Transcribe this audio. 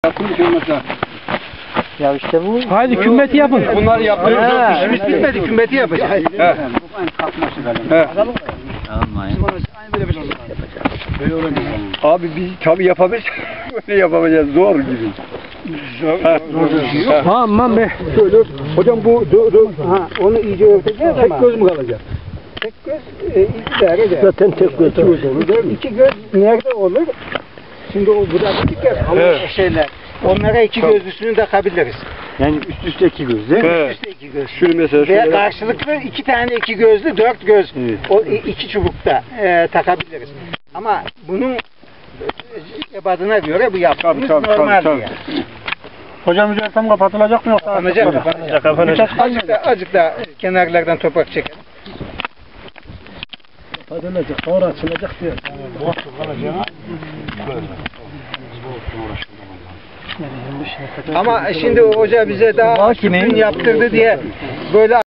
Yapılmış olmasa. Ya işte bu. Haydi kümmeti yapın. Bunlar yapıyoruz. İşimiz bitmedi, kümmeti yapacağız. He. Abi biz tabi yapabiliriz. Böyle yapamayacağız. Zor gibi. Aman be. Şöyle, hocam bu onu iyice örteceğiz ama. Tek göz mü kalacak? Tek göz idare eder. Zaten tek göz olur. İki göz nerede olur? Şimdi o burada dedik ya şeyler. Onlara iki gözlüsünü takabiliriz. Yani üst üste iki göz değil mi? Üst üste iki göz. Şunu mesela Veya şöyle. karşılıklı iki tane iki gözlü, dört göz. Evet. O iki çubukta takabiliriz. Ama bunun ebadına göre bu yaptığımız normal yani. Hocam üzeri tam kapatılacak mı yoksa? Kapanacak. Azıcık da kenarlardan toprak çekelim. Kapatılacak, sonra açılacak diyor. Ama şimdi hoca bize daha yaptırdı diye böyle